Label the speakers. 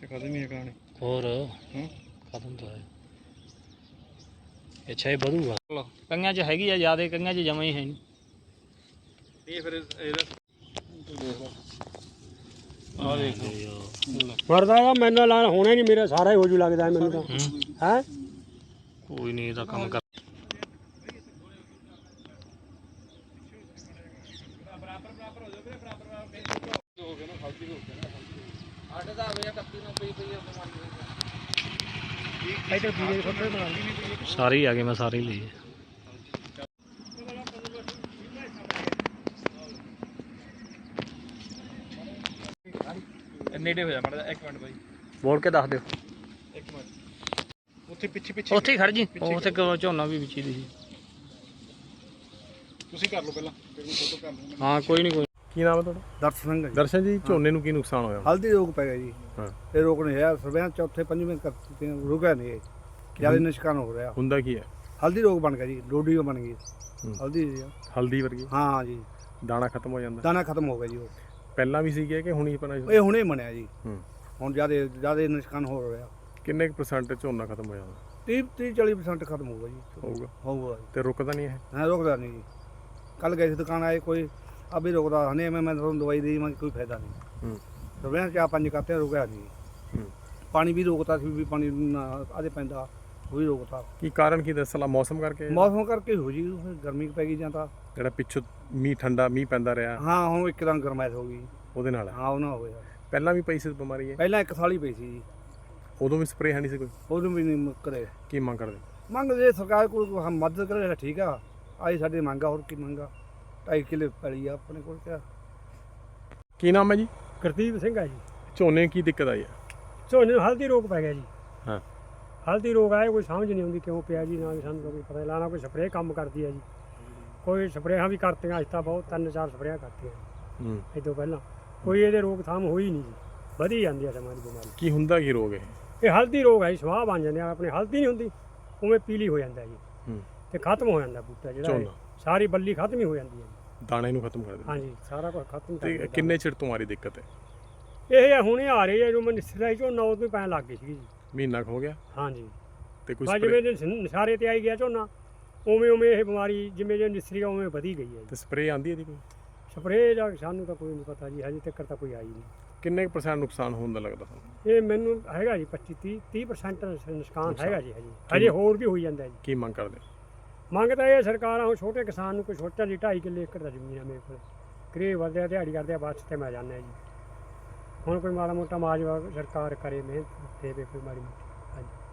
Speaker 1: ਖਤਮ ਹੀ ਹੈ ਕਹਾਣੀ।
Speaker 2: ਹੋਰ ਖਤਮ ਤਾਂ ਹੈ। ਅੱਛਾ ਇਹ ਵਧੂਗਾ ਕਈਆਂ 'ਚ ਹੈਗੀ ਆ ਜ਼ਿਆਦਾ, ਕਈਆਂ 'ਚ ਜਮਾਂ ਹੀ ਹੈ ਨਹੀਂ।
Speaker 1: ਇਹ ਫਿਰ ਇਹਦਾ
Speaker 2: ਆ ਦੇਖ
Speaker 3: ਮਰਦਾ ਗਾ ਮੈਨੂੰ ਲਾਣ ਹੋਣਾ ਨਹੀਂ, ਮੇਰਾ ਸਾਰਾ ਹੀ ਹੋ ਜੂ ਲੱਗਦਾ ਮੈਨੂੰ ਤਾਂ ਹੈ।
Speaker 2: ਕੋਈ ਨਹੀਂ ਇਹਦਾ ਕੰਮ ਕਰ। ਸਾਰੇ ਹੀ ਆ ਗਏ, ਮੈਂ ਸਾਰੇ ਹੀ ਲਏ।
Speaker 1: ਨੇੜੇ ਹੋ ਜਾ ਮਾੜਾ ਜਿਹਾ, 1 ਮਿੰਟ ਬਾਈ
Speaker 2: ਬੋਲ ਕੇ ਦੱਸ ਦਿਓ।
Speaker 1: 1 ਮਿੰਟ ਉੱਥੇ ਪਿੱਛੇ
Speaker 2: ਉੱਥੇ ਹੀ ਖੜ ਜੀ, ਉੱਥੇ ਝੋਨਾ ਵੀ ਵਿੱਚ ਹੀ ਸੀ।
Speaker 1: ਤੁਸੀਂ ਕਰ ਲਓ ਪਹਿਲਾਂ, ਫਿਰ ਮੈਂ ਫੋਟੋ ਕਰ ਲਵਾਂਗਾ।
Speaker 2: ਹਾਂ ਕੋਈ ਨਹੀਂ ਕੋਈ।
Speaker 4: ਕੀ ਨਾਮ ਹੈ ਤੁਹਾਡਾ?
Speaker 3: ਦਰਸ਼ਨ ਸਿੰਘ
Speaker 4: ਦਰਸ਼ਨ ਜੀ, ਝੋਨੇ ਨੂੰ ਕੀ ਨੁਕਸਾਨ ਹੋਇਆ?
Speaker 3: ਹਲਦੀ ਰੋਗ ਪੈ ਗਿਆ ਜੀ।
Speaker 4: ਹਾਂ
Speaker 3: ਇਹ ਰੋਗ ਨਹੀਂ ਹੈ ਸਰਵੇਆਂ ਚੌਥੇ ਪੰਜਵੇਂ ਕਰ ਦਿੱਤੇ, ਰੁਕਿਆ ਨਹੀਂ ਇਹ, ਜਿਆਦਾ ਨਿਸ਼ਕਾਨ ਹੋ ਰਿਹਾ।
Speaker 4: ਹੁੰਦਾ ਕੀ ਹੈ?
Speaker 3: ਹਲਦੀ ਰੋਗ ਬਣ ਗਿਆ ਜੀ, ਡੋਡੀ ਬਣ ਗਈ ਹਲਦੀ ਜੀ।
Speaker 4: ਹਲਦੀ ਵਰਗੀ?
Speaker 3: ਹਾਂ ਜੀ,
Speaker 4: ਦਾਣਾ ਖਤਮ ਹੋ ਜਾਂਦਾ?
Speaker 3: ਦਾਣਾ ਖਤਮ ਹੋ ਗਿਆ ਜੀ। ਉਹ
Speaker 4: ਪਹਿਲਾਂ ਵੀ ਸੀਗੇ ਕਿ ਹੁਣੀ ਪਣਾ?
Speaker 3: ਇਹ ਹੁਣੇ ਬਣਿਆ ਜੀ।
Speaker 4: ਹੂੰ।
Speaker 3: ਹੁਣ ਜਿਆਦਾ ਨਿਸ਼ਕਾਨ ਹੋ ਰਿਹਾ।
Speaker 4: ਕਿੰਨੇ % ਝੋਨਾ ਖਤਮ ਹੋ ਜਾਂਦਾ?
Speaker 3: 30-40% ਖਤਮ ਹੋਊਗਾ ਜੀ। ਹੋਊਗਾ
Speaker 4: ਤੇ ਰੁਕਦਾ ਨਹੀਂ ਹੈ?
Speaker 3: ਹਾਂ ਰੁਕਦਾ ਨਹੀਂ ਜੀ। ਕੱਲ ਗਏ ਸੀ ਦੁਕਾਨ ਆਏ, ਕੋਈ ਅਭੀ ਰੁਕਦਾ ਨਹੀਂ। ਮੈਂ ਤੁਹਾਨੂੰ ਦਵਾਈ ਦੀ ਮੈਂ ਕੋਈ ਫਾਇਦਾ ਨਹੀਂ। ਸਰਵੇਆਂ 4-5 ਕਰਤੇ ਰੁਕਿਆ ਨਹੀਂ। ਪਾਣੀ ਵੀ ਰੋਕਤਾ ਸੀ, ਵੀ ਪਾਣੀ ਆਦੇ ਪੈਂਦਾ ਉਹ ਵੀ ਰੋਕਤਾ।
Speaker 4: ਕੀ ਕਾਰਨ ਕੀ ਦੱਸਲਾ? ਮੌਸਮ ਕਰਕੇ?
Speaker 3: ਮੌਸਮ ਕਰਕੇ ਹੋ ਜੀ, ਗਰਮੀ ਪੈ ਗਈ ਜਾਂ ਤਾਂ
Speaker 4: ਜਿਹੜਾ ਪਿੱਛੋਂ ਮੀਂਹ ਪੈਂਦਾ ਰਿਹਾ।
Speaker 3: ਹਾਂ ਹੁਣ ਇੱਕਦਮ ਗਰਮੈਸ਼ ਹੋ ਗਈ
Speaker 4: ਉਹਦੇ ਨਾਲ?
Speaker 3: ਹਾਂ ਉਹਨਾਂ ਹੋਇਆ।
Speaker 4: ਪਹਿਲਾਂ ਵੀ ਪਈ ਸੀ ਬਿਮਾਰੀ ਹੈ?
Speaker 3: ਪਹਿਲਾਂ 1 ਸਾਲ ਹੀ ਪਈ ਸੀ ਜੀ।
Speaker 4: ਉਦੋਂ ਵੀ ਸਪਰੇਅ ਹੈ ਨਹੀਂ ਸੀ ਕੋਈ?
Speaker 3: ਉਦੋਂ ਵੀ ਨਹੀਂ ਕਰੇ।
Speaker 4: ਕੀ ਮੰਗ ਕਰਦੇ?
Speaker 3: ਮੰਗਦੇ ਸਰਕਾਰ ਕੋਲ ਮਦਦ ਕਰੇ ਤਾਂ ਠੀਕ ਆ। ਆਈ ਸਾਡੀ ਮੰਗ ਆ, ਹੋਰ ਕੀ ਮੰਗਾ। 2.5 ਕਿੱਲੇ ਪੈਲੀ ਆ ਆਪਣੇ ਕੋਲ। ਕਿਆ
Speaker 4: ਕੀ ਨਾਮ ਹੈ ਜੀ?
Speaker 3: ਗੁਰਦੀਪ ਸਿੰਘ ਆ ਜੀ।
Speaker 4: ਝੋਨੇ ਕੀ ਦਿੱਕਤ ਆਈ ਹੈ?
Speaker 3: ਝੋਨੇ ਨੂੰ ਹਲਦੀ ਰੋਗ ਪੈ ਗਿਆ ਜੀ।
Speaker 4: ਹਾਂ
Speaker 3: ਹਲਦੀ ਰੋਗ ਆਇਆ, ਕੋਈ ਸਮਝ ਨਹੀਂ ਆਉਂਦੀ ਕਿਉਂ ਪਿਆ ਜੀ। ਨਾ ਸਾਨੂੰ ਕੋਈ ਪਤਾ ਨਹੀਂ, ਲਾਣਾ ਕੋਈ ਸਪਰੇਅ ਕੰਮ ਕਰਦੀ ਹੈ ਜੀ। ਕੋਈ ਸਪਰੇਆਂ ਵੀ ਕਰਤੀਆਂ ਅੱਜ ਤਾਂ, ਬਹੁਤ 3-4 ਸਪਰੇਆਂ ਕਰਤੀਆਂ ਇਹ ਤੋਂ ਪਹਿਲਾਂ। ਕੋਈ ਇਹਦੇ ਰੋਕਥਾਮ ਹੋਈ ਨਹੀਂ ਜੀ, ਵਧੀ ਜਾਂਦੀ ਹੈ ਸਮਾਂ ਦੀ ਬਿਮਾਰੀ।
Speaker 4: ਕੀ ਹੁੰਦਾ ਕੀ ਰੋਗ
Speaker 3: ਇਹ ਹਲਦੀ ਰੋਗ ਹੈ ਜੀ। ਸਵਾਹ ਬਣ ਜਾਂਦੇ ਆ ਆਪਣੇ, ਹਲਦੀ ਨਹੀਂ ਹੁੰਦੀ ਉਵੇਂ ਪੀਲੀ ਹੋ ਜਾਂਦਾ ਜੀ। ਤੇ ਖਤਮ ਹੋ ਜਾਂਦਾ ਬੂਟਾ ਜਿਹੜਾ, ਸਾਰੀ ਬੱਲੀ ਖਤਮ ਹੀ ਹੋ ਜਾਂਦੀ ਹੈ ਜੀ।
Speaker 4: ਦਾਣੇ ਨੂੰ ਖਤਮ ਕਰ ਦਿੰਦਾ?
Speaker 3: ਹਾਂਜੀ ਸਾਰਾ ਕੁਝ ਖਤਮ।
Speaker 4: ਤੇ ਕਿੰਨੇ ਚਿਰ ਤੋਂ ਆ ਰਹੀ ਦਿੱਕਤ ਹੈ
Speaker 3: ਇਹ? ਹੁਣੇ ਆ ਰਹੀ ਹੈ, ਜਦੋਂ ਮੈਂ ਨਿਸਰਾ ਝੋਨਾ ਉਦੋਂ ਹੀ ਪੈਣ ਲੱਗ ਗਈ ਸੀ ਜੀ।
Speaker 4: ਮਹੀਨਾ ਕੁ ਹੋ ਗਿਆ?
Speaker 3: ਹਾਂਜੀ।
Speaker 4: ਤੇ ਕੁਝ
Speaker 3: ਜਿਵੇਂ ਨਿਸਾਰੇ ਤੇ ਆਈ ਗਿਆ ਝੋਨਾ, ਉਵੇਂ ਇਹ ਬਿਮਾਰੀ ਜਿਵੇਂ ਜੇ ਨਿਸਰੀ ਆ ਉਵੇਂ ਵਧੀ ਗਈ ਹੈ ਜੀ।
Speaker 4: ਤੇ ਸਪਰੇਅ ਆਂਦੀ ਇਹਦੀ ਕੋਈ?
Speaker 3: ਸਪਰੇਅ ਦਾ ਸਾਨੂੰ ਤਾਂ ਕੋਈ ਨਹੀਂ ਪਤਾ ਜੀ, ਹਜੇ ਤੱਕ ਤਾਂ ਕੋਈ ਆਈ ਨਹੀਂ।
Speaker 4: ਕਿੰਨੇ % ਨੁਕਸਾਨ ਹੋਣ ਦਾ ਲੱਗਦਾ ਤੁਹਾਨੂੰ?
Speaker 3: ਇਹ ਮੈਨੂੰ ਹੈਗਾ ਜੀ 25-30% ਨੁਕਸਾਨ ਹੈਗਾ ਜੀ। ਹਜੇ ਹੋਰ ਵੀ ਹੋਈ ਜਾਂਦਾ ਜੀ।
Speaker 4: ਕੀ ਮੰਗ ਕਰਦੇ?
Speaker 3: ਮੰਗ ਤਾਂ ਇਹ ਸਰਕਾਰਾਂ, ਹੁਣ ਛੋਟੇ ਕਿਸਾਨ ਨੂੰ ਕੋਈ ਛੋਟਾ ਜੀ 2.5 ਕਿੱਲੇ ਏਕੜ ਦਾ ਜ਼ਮੀਨ ਹੈ ਮੇਰੇ ਕੋਲ। ਗਰੀਬ ਬੰਦੇ ਦਿਹਾੜੀ ਕਰਦੇ ਆ, ਬੱਸ ਤੇ ਮੈਂ ਜਾਂਦਾ ਜੀ। ਹੁਣ ਕੋਈ ਮਾੜਾ ਮੋਟਾ ਮਾਜਵਾ ਸਰਕਾਰ ਕਰੇ, ਮਿਹਨਤ ਦੇਵੇ ਕੋਈ ਮਾੜੀ ਮੋਟੀ। ਹਾਂਜੀ।